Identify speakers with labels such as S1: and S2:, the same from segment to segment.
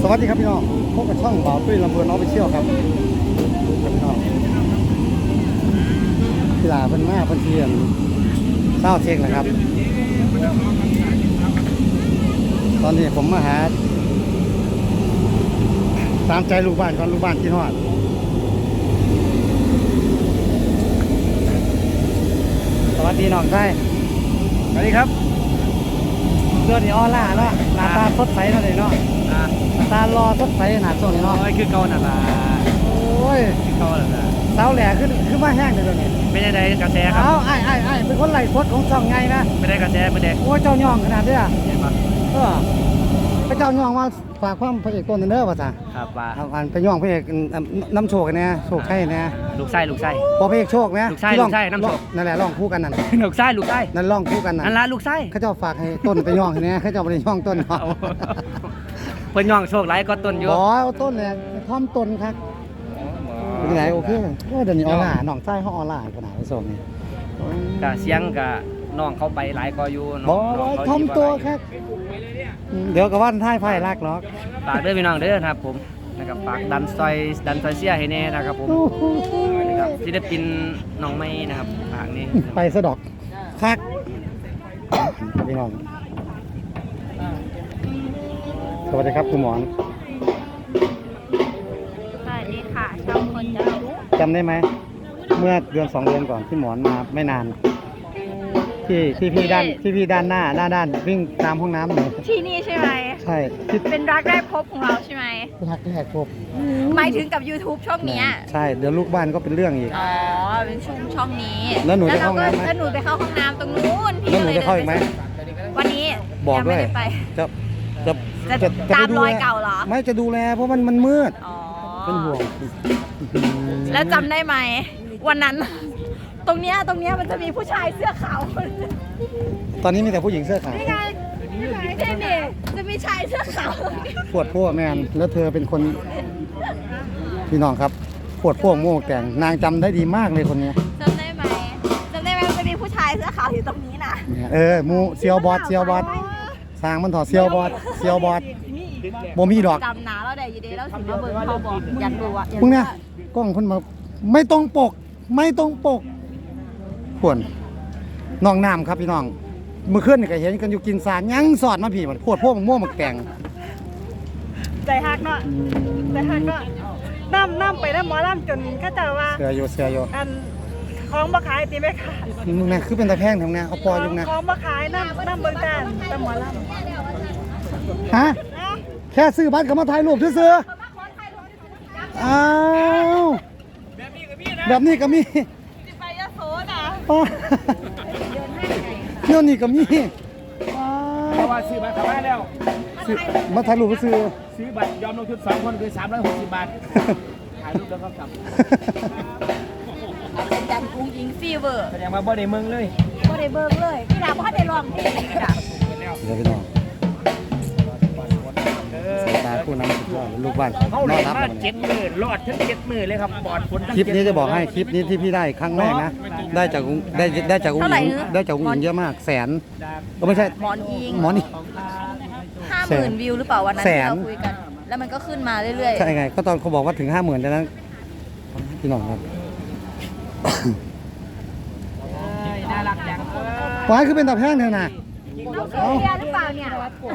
S1: สวัสดีครับพี่น้องพบกับช่องบ่าวตุ้ยลำเพลินออฟฟิเชียลครับพี่น้องกีฬาเพิ่นมาเพิ่นเทียนเศร้าเช็คนะครับตอนนี้ผมมาหาตามใจลูกบ้านก่อนลูกบ้านที่ฮอดสวัสดีน้องชายสวัสดีครับเดือนนี้ออล่าเนาะหน้าตาสดใสเนาะเลยเนาะตารอสดใสหนาสดเนาะ
S2: คือเก่านั่นล่ะ
S1: โอ้ย
S2: คือเก่านั่นล่ะ
S1: สาวแหล่ขึ้นมาแห้งเลยตัวนี้
S2: ไม่ได้กระแสครับ
S1: ไอ้เป็นคนไหลฟดของช่องไงนะ
S2: ไม่ได้กระแสไม่ได้
S1: โอ้เจ้าย่องขนาดเนี้ย
S2: เห็นปะ
S1: พระเจ้าย่องว่าฝากความพระเอกต้นเด้อว่าจ้ะ
S2: ครับว่า
S1: อันไปย่องพระเอกน้ำโชคกันเนี่ยโชคใช่เนี่ย
S2: ลูกไส้
S1: พอพระเอกโชคเนี่ย
S2: ลูกไส้น้ำโชค
S1: นั่นแหละร้องคู่กันนั่น
S2: ลูกไส้
S1: นั่นร้องคู่กัน
S2: นั่นละลูกไส้
S1: เขาเจ้าฝากให้ต้นไปย่องเนี่ยเขาเจ้าไปย่องต้นเนาะ
S2: เพิ่นย่องโชคหลายก็ต้นอยู่
S1: บ่เอาต้นเนี่ยท่อมต้นครับเป็นไงโอเคเดี๋ยวนี้ออล่าน้องใต้เขาออล่าขนาดนี้ส่งนี่
S2: กะเสียงกะน้องเขาไปหลายก็อยู่
S1: บ่ท่อมตัวครับเดี๋ยวกับว่านท้ายไพ่รักหรอก
S2: ฝากเด้อพี่น้องเด้อครับผมนะครับฝากดันซอยเสียให้แน่นะครับผมนะครับศิลปินน้องไม้นะครับฝากนี้
S1: ไปสะดอกคักพี่น้องสวัสดีครับคุณหมอน
S3: สวัสดีค่ะชาวคนจะรู้
S1: จำได้ไหมเมื่อเดือน2 เดือนก่อนที่หมอนมาไม่นานที่พี่ด้านหน้าด้านวิ่งตามห้องน้ำหนู
S3: ที่นี่ใช่ไหม
S1: ใช่
S3: เป็นรักแรกพบของเราใช่ไหม
S1: รักแรกพบ
S3: หมายถึงกับ YouTube ช่องนี้
S1: ใช่เดี๋ยวลูกบ้านก็เป็นเรื่องอีก
S3: อ๋อเป็นช่องนี้
S1: แล้วหนูจะเข้าห้องน้ำไหม
S3: แล้วหนูไปเข้าห้องน้ำตรงนู้น
S1: แล้วหนูจะเข้าอีกไหม
S3: วันนี้
S1: บอกด้วยจะ
S3: ตามรอยเก่าเหรอ
S1: ไม่จะดูแลเพราะมันมืดเป็นห่วง
S3: แล้วจำได้ไหมวันนั้นตรงเนี้ยมันจะมีผู้ชายเสื้อขาว
S1: ตอนนี้มีแต่ผู้หญิงเสื้อขาว
S3: นี่ไงนี่จะมีชายเสื้อขาว
S1: ปวดพวกแมนแล้วเธอเป็นคนพี่น้องครับปวดพวกโม่แต่งนางจำได้ดีมากเลยคนนี้
S3: จำได้ไหมมันจะมีผู้ชายเสื้อขาวอยู่ตรงนี้นะ
S1: มูเซียวบอสสร้างมันถอดเซียวบอสโมมีดอก
S3: จำหนาแล้วได้ยีเดแล้วถึงมาเบิร์เขาบอกยันดูอ่ะ
S1: พวกเนี้ยกล้องคนมาไม่ต้องปกขวนน้องน้ำครับพี่น้องเมื่อคืนนี่ก็เห็นกันอยู่กินสารยังสอดมาผีมันพวดพวกม่วงมันแกง
S4: ใจฮักเนาะใจฮักก็น้ำไปแล้วหมอล่ำจนก็จะว่า
S1: เสือโย
S4: อันของบ่ขายตีไม่ขาด
S1: มึงนะคือเป็นตะแพงทำไงเอาปอยุงนะ
S4: ของบ่ขายน้ำเบิ่งจานแต่หมอล่ำ
S1: ฮะแค่ซื้อบัตรก็มาถ่ายรูปซื้ออ้าวแบบนี้ก็มี
S4: ไปยะโสนะ
S1: เที่ยวนี่ก็มี
S2: เพราะว่าซื้อบัตรเข้ามาแล้ว
S1: มาถ่ายรูปซื้อ
S2: บัตรยอมลงทุน2 คนคือ360 บาทถ่ายรูปแล้วก็กลับ
S3: จันกุ้งยิงฟีเวอร์
S2: แสดงว่าบ่ได้เมืองเลย
S3: บ่ได้เบิ่งเลยพี่ดาบ่ได้ลองเพลงพี่ดา
S1: เดี๋ยวพี่น้องตาคู่น้ำสุดยอดลูกบ้าน
S2: เขาเลยมา7 มื้อรอดทั้ง7 มื้อเลยครับปลอดฝน
S1: คลิปนี้จะบอกให้คลิปนี้ที่พี่ได้ครั้งแรกนะได้จากอุ้งอิงเยอะมากแสนก็ไม่ใช่
S3: หมอนอิง50,000 วิวหรือเปล่าวันนั้นที่เราคุยกันแล้วมันก็ขึ้นมาเรื่อยๆ
S1: ใช่ไงก็ตอนเขาบอกว่าถึง 50,000แต่นั้นพี่น้องครับ
S2: น่ารักจัง
S1: ปล่อยคือเป็นตะแพงเถอะนะ
S3: เอาเรียหรือเปล่าเนี่ย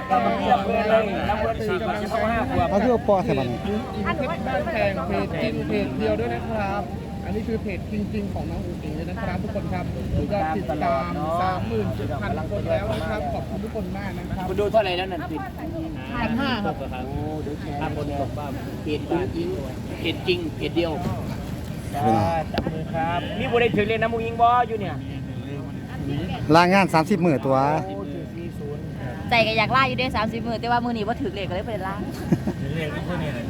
S1: เขาที่เอาปอใส่บัน
S4: แข่งเพจจริงเพจเดียวด้วยนะครับอันนี้คือเพจจริงๆของน้องอุ๋งอิงเลยนะครับทุกคนครับยอดติดตาม 37,000 คนแล้วนะครับขอบคุณทุกคนมากนะครับ
S2: คุณดูเท่าไหร่แล้วนั่นติด
S4: 1,500ครับ
S2: โอ้เดี๋ยว5 คนบอกว่าเพจจริงเพจเดียวจับมือครับมีบุได้ถึงเรียนน้ำมูยิงบออยู่เนี่ย
S1: ลางาน30 มื้อตัว
S3: ใจก็อยากล่าอยู่ได้30 มื้อแต่ว่ามื้อนี้บ่ถึงเลขก็เลยบ่ได้ล่า
S2: เลขพวกนี้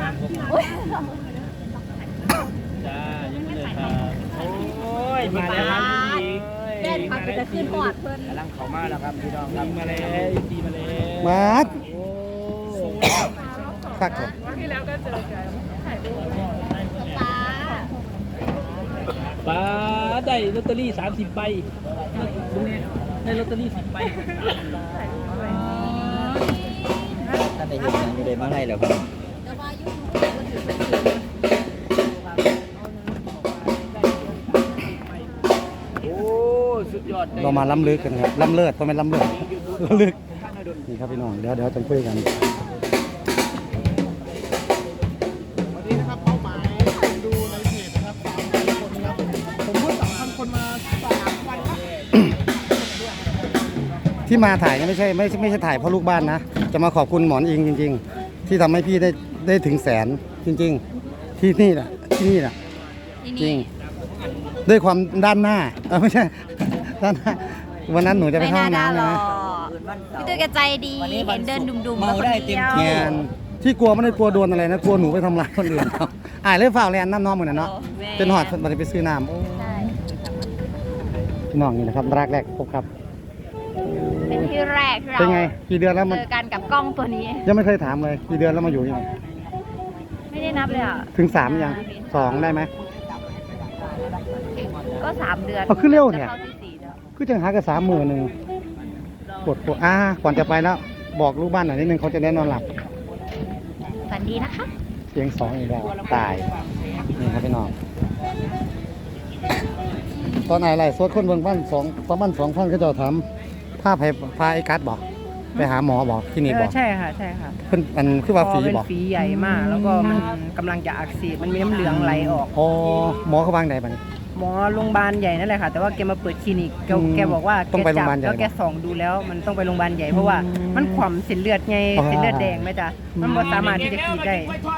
S2: จ้ายังไม่เลยครับโอ้ยมาแล้วครับพี่
S3: แม่พักจะขึ้นหอดเพิ่น
S2: กำลังเข้ามาแล้วครับพี่น้องครับมาเลยตีมาเลย
S1: มาคัก
S4: ที่แล้วก็เจอกันถ่ายรูป
S2: ป้าได้ลอตเตอรี่30 ใบได้ลอตเตอรี่10 ใบได้เห็นยังอยู่ได้มาไล่แล้วครับ โอ้สุดยอด
S1: เรามาล้ำลึกกันครับล้ำเลิศเพราะไม่ล้ำเลิศล้ำลึกนี่ครับพี่น้องเดี๋ยวจะคุยกัน
S4: วันนี้นะครับเป้าหมายดูในเพจนะครับ3,000 คนครับผมพูด3,000 คนมา3 วันแล้ว
S1: ที่มาถ่ายเนี่ยไม่ใช่ถ่ายเพราะลูกบ้านนะจะมาขอบคุณหมอนอิงจริง ๆ ที่ทำให้พี่ได้ถึงแสนจริง ๆ ที่นี่แหละจริงด้วยความด้านหน้าไม่ใช่ ด้านหน้าวันนั้นหนูจะไป
S3: ไม่
S1: เข้า
S3: น่า
S1: ห้อง
S3: ด่า
S1: น้ำ
S3: หร
S1: ใช่
S3: อ
S1: ไหม
S3: พี่ตุ้ยแกใจดีเห็นเดินดุมๆ
S2: เมาได้เต็มที่
S1: แงนที่กลัวไม่ได้กลัวโดนอะไรนะกลัวหนูไปทำร้ายคนอื่นเขาเลยฝ่าแลนน้ำน้องเหมือนกันเนาะเป็นหอดมันไปซื้อน้ำโอ้
S3: ใช่
S1: พี่น้องนี่นะครับรักแรกพบครับ
S3: เป็นที่แรกที่เรา
S1: เป็นไงกี่เดือนแล้วมัน
S3: เจอกันกับกล้องตัวนี้
S1: ยังไม่เคยถามเลยกี่เดือนแล้วมาอยู่ยัง
S3: ไม่ได้นับเลยอ่ะ
S1: ถึง3ยัง2ได้ไหม
S3: ก็3 เดือน
S1: เอาขึ้นเร็วเนี่ย
S3: จะข้าที่4แล้ว
S1: คือจังหากับ30,000ปวดก่อนจะไปแล้วบอกลูกบ้านหน่อยนิดนึงเขาจะได้นอนหลับ
S3: ฝันดีนะคะ
S1: เสียง2อีกแล้วตายนี่ครับพี่น้องตอนไหนไรโซดคนเบิ่งบ้านประมาณ2,000ก็จะทำพาไอ้กัดบอกไปหาหมอบอกคลินิกบอก
S5: ใช่ค่ะใช่ค่ะ
S1: เพิ่นมันคือว่าฟรี
S5: เป็น
S1: บอก
S5: ฝีใหญ่มาก แล้วก็มันกำลังจะอักเสบมันมีน้ำเหลืองไหลออก
S1: อ๋อหมอเขาบางใดบัดนี้
S5: หมอโรงพยาบาลใหญ่นั่นแหละค่ะ แต่ว่าแกมาเปิดคลินิกแกบอกว่า
S1: ต้องไป
S5: แก
S1: โรงพยาบาลใหญ่
S5: แล้วแกส่องดูแล้วมันต้องไปโรงพยาบาลใหญ่เพราะว่ามันขวำเส้นเลือดไง
S1: อ๋อ
S5: เส้นเลือดแดงไหมจ๊ะมันบ่สามารถที่จะกรีดได้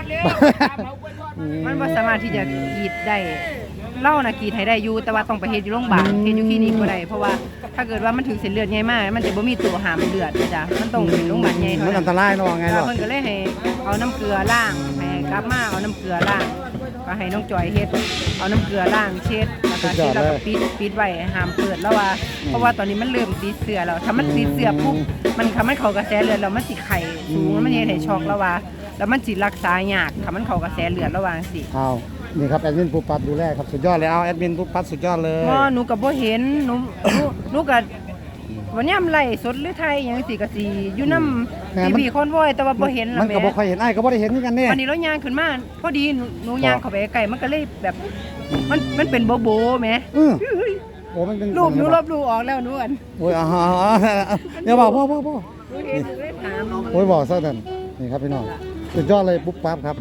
S5: มันบ่สามารถที่จะกรีดได้เล่านะกรีดให้ได้อยู่แต่ว่าต้องไปเฮ็ดอยู่โรงพยาบาลเฮ็ดอยู่คลินิกบ่ได้เพราะว่าถ้าเกิดว่ามันถึงเส้นเลือดใหญ่มากมันจะบ่มีตัวหามเลือดนะจ๊ะมันต้องเป็นโรงพยาบาลใหญ่เท่า
S1: มัน
S5: นั้
S1: อั
S5: น
S1: นตรายเนาะไงหรอ
S5: เพิ่นก็เลยให้เอาน้ำเกลือล้างให้กลับมาเอาน้ำเกลือล้างก็ให้น้องจอยเฮ็ดเอาน้ำเกลือล้างเช็ดแล้วก็เช็ดแล้วก็ปิดไว้ห้ามเปิดแล้วว่าเพราะว่าตอนนี้มันเริ่มติดเสือแล้วถ้ามันติดเสือปุ๊บมันทำให้เขากระแสเลือดแล้วมันสิไข้สูงแล้วมันเฮ็ดให้ช็อกแล้วว่าแล้วมันสิรักษายากถ้ามันเข้ากระแสเลือดแล้วว่าจังซี่
S1: เอานี่ครับแอดมินปูปัดดูแลครับสุดยอดเลยเอาแอดมินปูปัดสุดยอดเลย
S5: หนูก็บ่เห็นหนูก็วันนี้ไล่สดหรือไทยหยังสิก็สิอยู่นำพี่ๆคอนวอยแต่ว่าบ่เห็น
S1: มันก็บ่ค่อยเห็นไอ้ก็บ่ได้เห็นคือกันเนี่ย
S5: วันนี้เราย่างขึ้นมาพอดีหนูย่างเข้าไปใกล้มันก็เลยแบบมันเป็นโบโบแหม
S1: โอ้มันเป็น
S5: รูปหนูลบรูออกแล้วหนูอัน
S1: โอ้ยเดี๋ยวบอกพ่อ
S5: หนูเห็นหนูเลยถาม
S1: โอ้ยบอกซะนั่นนี่ครับพี่น้องสุดยอดเลยปุ๊บปั๊บครับ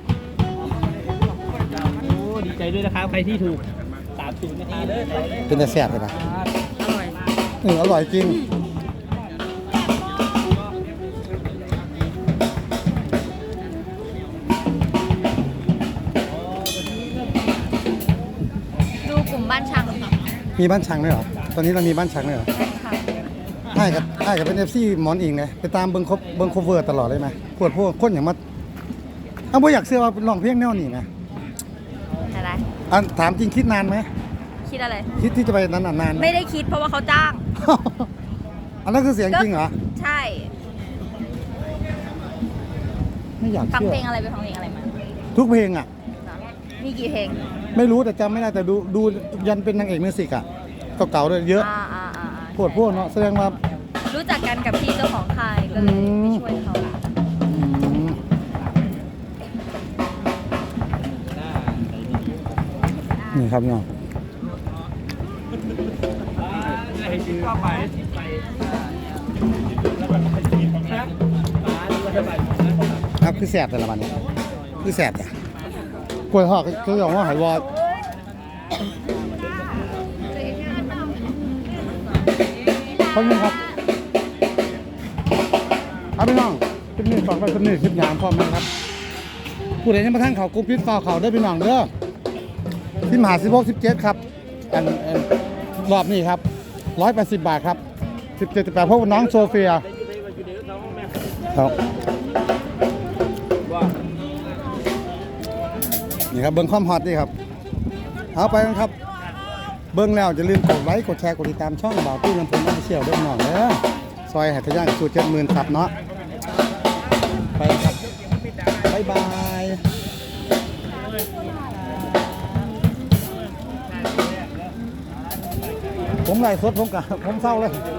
S2: โอ้ดีใจด้วยนะครับ ใครที่ถูก30นาทีเลย
S1: เป็นแต่แซ่บเลยนะ
S5: อร่อย
S1: อร่อยจริง
S3: ดูกลุ่มบ้านช่างค่ะ
S1: มีบ้านช่างด้วยเหรอตอนนี้เรามีบ้านช่างด้วยเหรอไอ้กับเป็น FC หมอนอิงเลยไปตามเบิ่งโคเวอร์ตลอดเลยไหมพวกคนอย่างมาบ่อยากเชื่อว่าร้องเพลงแนวนี้ไหม
S3: อะไร
S1: ถามจริงคิดนานไหม
S3: คิดอะไร
S1: คิดที่จะไปนั้นนานไหม
S3: ไม่ได้คิดเพราะว่าเขาจ้าง
S1: อันนั้นคือเสียงจริงเหรอ
S3: ใช่
S1: ไม่อยาก
S3: ฟัง
S1: เชื่อ
S3: เพลงอะไรไปฟังเพลงอะไรมา
S1: ทุกเพลงอ่ะ
S3: มีกี่เพลง
S1: ไม่รู้แต่จำไม่ได้แต่ดูยันเป็นนางเอกมิวสิกอ่ะเก่าๆด้วยเยอะ
S3: อ่า
S1: พวกเนาะแสดงว่า
S3: รู้จักกันกับพี่เจ้าของค่ายก็เลยไปช่วยเขา
S1: นี่ครับเนาะครับคือแสบแต่ละวันนี้คือแสบจ้ะกล้วยหอกคืออย่างว่าหายวอดคนนึงครับครับพี่น้องคลิปนี้ฝากไว้คลิปนี้คลิปยามพร้อมนะครับผู้ใดยังมาทั้งเขากรุ๊ปพิษฟ้าเขาได้พี่น้องเด้อที่มหา16-17ครับอันรอบนี้ครับ180 บาทครับ17-18พวกน้องโซเฟียครับนี่ครับเบิ้งความฮอตนี่ครับเอาไปกันครับเบิ้งแล้วอย่าลืมกดไลค์กดแชร์กดติดตามช่องบ่าวตู้ลำพูนออฟฟิเชียลด้วยพี่น้องเด้อซอยหัตถย่างสูตร70,000ครับเนาะไปครับบ๊ายบายผมไล่สดผมเศร้าเลย